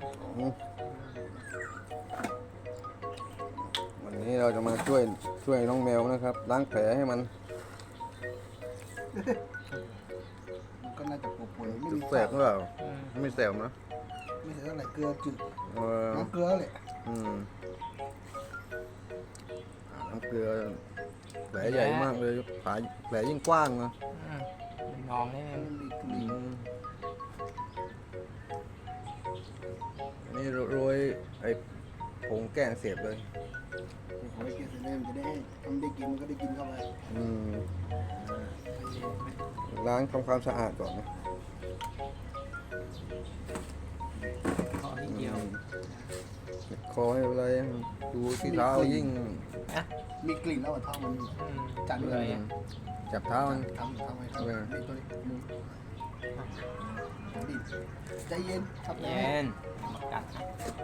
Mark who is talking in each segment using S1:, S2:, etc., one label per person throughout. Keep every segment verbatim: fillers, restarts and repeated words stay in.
S1: วันนี้เราจะมาช่วยช่วยน้องแมวนะครับล้างแผลให้มัน
S2: มันก็น่าจะป่วยๆไม่มี
S1: แสบหรือเปล่าไม่แสบนะ
S2: ไม่ใช่เท่าไหร่เกลือจืด
S1: เออ
S2: น้ำเกลือเลย
S1: อืมน้ำเกลือแผลใหญ่มากเลยแผลแผลยิ่งกว้างนะ
S3: อืมเป็นนองนี่
S2: มันมีก
S1: อื
S2: ลิ่น
S1: มอันนี้โรยไอ้ผงแก้อักเสบเลย
S2: เอาไว้เกลือเสร็จแล้วมันจะได้ทำได้กินมันก็ได้กินเข้าไป
S1: อืมล้างทำความสะอาดก่อนนะ
S3: ขอนิดเดียว
S1: อืมคอให้อะไรดูที่เท้ายิ่ง
S2: มีกลิ่นแล้วเท้ามัน
S3: อืม
S2: จัด
S3: เล
S2: เลย ย
S1: จับเท้ามัน
S2: ทำทำไว้ครับ
S1: เออ
S2: นี่ตัวนี้มือดิใจเย็นครับ
S3: เย็นมากัดนะ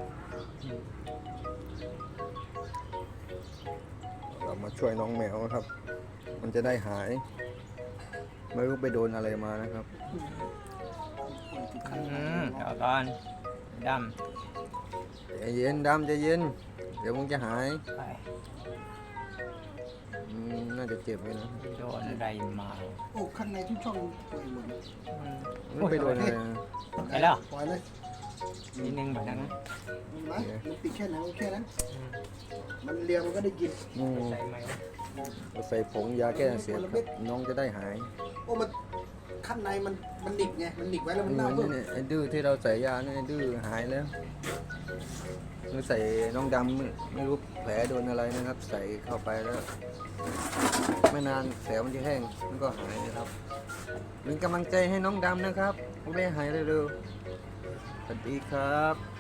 S1: เรามาช่วยน้องแมวนะครับ มันจะได้หาย ไม่รู้ไปโดนอะไรมานะครับ
S3: อืมเดี๋ยวก่อนด
S1: ใจเย็นดำใจเย็น เดี๋ยวมึงจะหาย
S3: ำไป
S1: อืมน่าจะเจ็บเลยนะ
S3: โดนอะไรมา
S2: โอ้ข้างในทุกช่องป่วยหมด
S3: อืม
S1: ไม่ไปโดนอะไรนะ
S3: ไปแล้ว
S2: ปล่อยเลย
S3: นิดนึงแบบนั้นนะ
S2: มันไหมมันติดแค่ไหนก็แค่นั้น
S3: อืม
S2: มันเลียมันก็ได้กิน
S1: อืม
S3: ใส่ไหม
S1: เราใส่ผงยาแก้อักเสียบครับน้องจะได้หาย
S2: โอ้มันข้างในมันมันหนิกไงมันหนิกไว้แล้วมัน
S1: เห
S2: เน่า
S1: มือน
S2: เพิ่ม
S1: นี่ไอ้ดื้อที่เราใส่ยาเนี่ยไอ้ดื้อหายแล้วเราใส่น้องดำไม่ไม่รู้แผลโดนอะไรนะครับ ใส่เข้าไปแล้ว ไม่นานแผลมันจะแห้งมันก็หายนะครับเป็นกำลังใจให้น้องดำนะครับให้ได้หายเร็วๆสวัสดีครับ